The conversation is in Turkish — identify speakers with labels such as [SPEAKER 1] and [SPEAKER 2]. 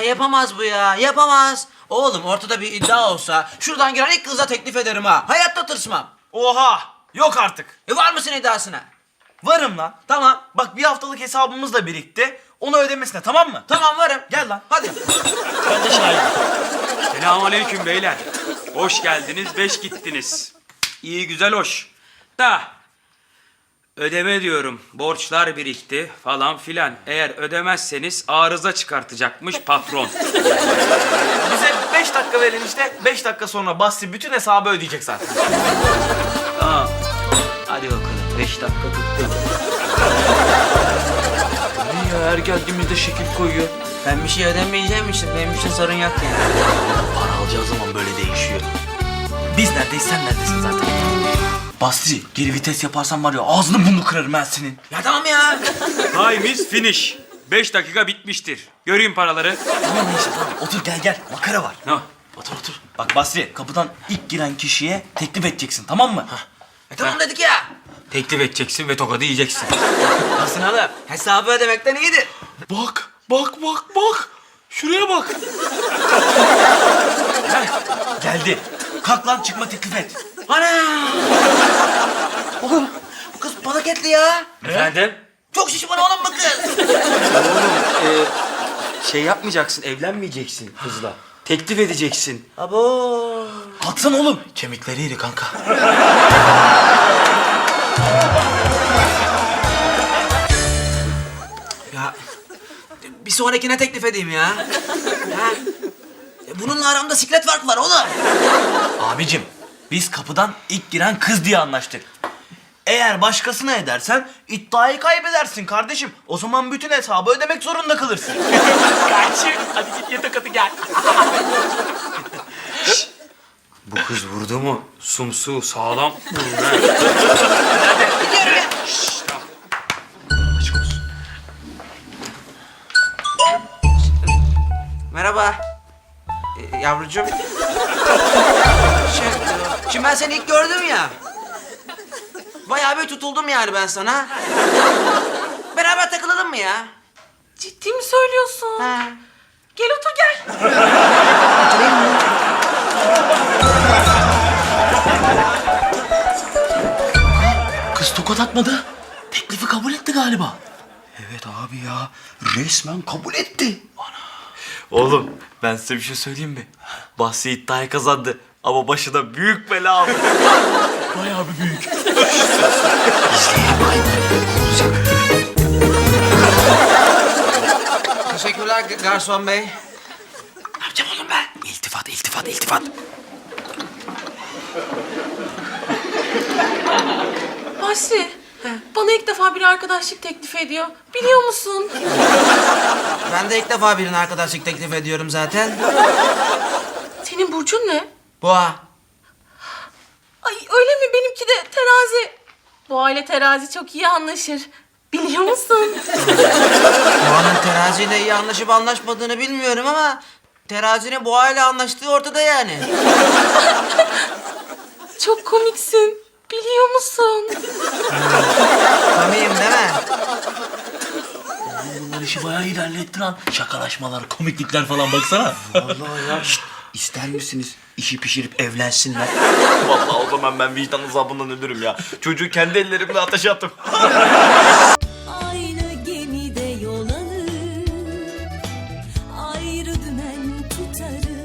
[SPEAKER 1] yapamaz bu ya, yapamaz. Oğlum ortada bir iddia olsa şuradan giren ilk kıza teklif ederim ha. Hayatta tırsmam.
[SPEAKER 2] Oha! Yok artık.
[SPEAKER 1] Var mısın iddiasına?
[SPEAKER 2] Varım lan.
[SPEAKER 1] Tamam.
[SPEAKER 2] Bak bir haftalık hesabımız da birikti. Onu ödemesine, tamam mı?
[SPEAKER 1] Tamam varım.
[SPEAKER 2] Gel lan.
[SPEAKER 1] Hadi.
[SPEAKER 2] Ben de şahidim.
[SPEAKER 3] Selamünaleyküm beyler. Hoş geldiniz, beş gittiniz. İyi güzel hoş. Da ödeme diyorum. Borçlar birikti falan filan. Eğer ödemezseniz arıza çıkartacakmış patron.
[SPEAKER 2] Bize 5 dakika verin işte. 5 dakika sonra Basri bütün hesabı ödeyecek zaten.
[SPEAKER 1] Tamam. Hadi bakalım. 5 dakika tuttu.
[SPEAKER 2] Ne ya, her geldiğimizde şekil koyuyor.
[SPEAKER 1] Ben bir şey ödemeyeceğim için benim için sorun yok yani.
[SPEAKER 2] Para alacağı zaman böyle değişiyor. Biz neredeyiz, sen neredesin zaten? Basri, geri vites yaparsan var ya ağzını burnunu kırarım ben senin.
[SPEAKER 1] Ya tamam ya.
[SPEAKER 3] Time is finish. 5 dakika bitmiştir. Göreyim paraları.
[SPEAKER 2] Tamam neyse tamam. Otur gel. Makara var.
[SPEAKER 3] No.
[SPEAKER 2] Otur. Bak Basri, kapıdan ilk giren kişiye teklif edeceksin, tamam mı?
[SPEAKER 1] Tamam dedik ya.
[SPEAKER 3] Teklif edeceksin ve tokadı yiyeceksin.
[SPEAKER 1] Nasılsın oğlum? Hesabı ödemekten iyidir.
[SPEAKER 2] Bak. Şuraya bak. Geldi. Kalk lan, çıkma teklif et.
[SPEAKER 1] Ana! Oğlum bu kız balık etli ya.
[SPEAKER 3] Efendim?
[SPEAKER 1] Çok şişman oğlum bu kız.
[SPEAKER 3] Şey yapmayacaksın, evlenmeyeceksin kızla. Teklif edeceksin.
[SPEAKER 1] Abo.
[SPEAKER 2] Kalksana oğlum. Kemikleri iri kanka.
[SPEAKER 1] Ya bir sonrakine teklif edeyim ya. Ha? Bununla aramda siklet fark var oğlum.
[SPEAKER 2] Abicim, biz kapıdan ilk giren kız diye anlaştık. Eğer başkasına edersen iddiayı kaybedersin kardeşim. O zaman bütün hesabı ödemek zorunda kalırsın. Kardeşim, hadi git yatak atı gel.
[SPEAKER 3] Bu kız vurdu mu? Sumsu sağlam vurur ha.
[SPEAKER 1] Gidiyorum ya. Merhaba. Yavrucuğum. Şimdi ben seni ilk gördüm ya. Bayağı bir tutuldum yani ben sana. Beraber takılalım mı ya?
[SPEAKER 4] Ciddi mi söylüyorsun?
[SPEAKER 1] Ha.
[SPEAKER 4] Gel otur gel.
[SPEAKER 1] Oturayım mı?
[SPEAKER 2] Kız tokat atmadı. Teklifi kabul etti galiba. Evet abi ya. Resmen kabul etti. Oğlum ben size bir şey söyleyeyim mi? Bahsi iddiayı kazandı. Ama başına büyük bela aldı. Bayağı bir büyük.
[SPEAKER 1] Teşekkürler garson bey.
[SPEAKER 2] Ne yapacağım oğlum ben? İltifat.
[SPEAKER 4] Basri, bana ilk defa bir arkadaşlık teklif ediyor. Biliyor musun?
[SPEAKER 1] Ben de ilk defa birine arkadaşlık teklif ediyorum zaten.
[SPEAKER 4] Senin burcun ne?
[SPEAKER 1] Boğa.
[SPEAKER 4] Ay öyle mi? Benimki de terazi. Boğa ile terazi çok iyi anlaşır. Biliyor musun?
[SPEAKER 1] Boğa'nın teraziyle iyi anlaşıp anlaşmadığını bilmiyorum ama... ...terazinin boğayla anlaştığı ortada yani.
[SPEAKER 4] Çok komiksin. Biliyor musun?
[SPEAKER 1] Komiyim değil mi?
[SPEAKER 2] Bunlar işi bayağı ilerletti lan. Şakalaşmalar, komiklikler falan baksana. Vallahi ya. Şşt, ister misiniz işi pişirip evlensinler? Vallahi o zaman ben vicdan azabından ölürüm ya. Çocuğu kendi ellerimle ateşe attım.
[SPEAKER 5] Aynı gemide yol alır, ayrı dümen tutarız.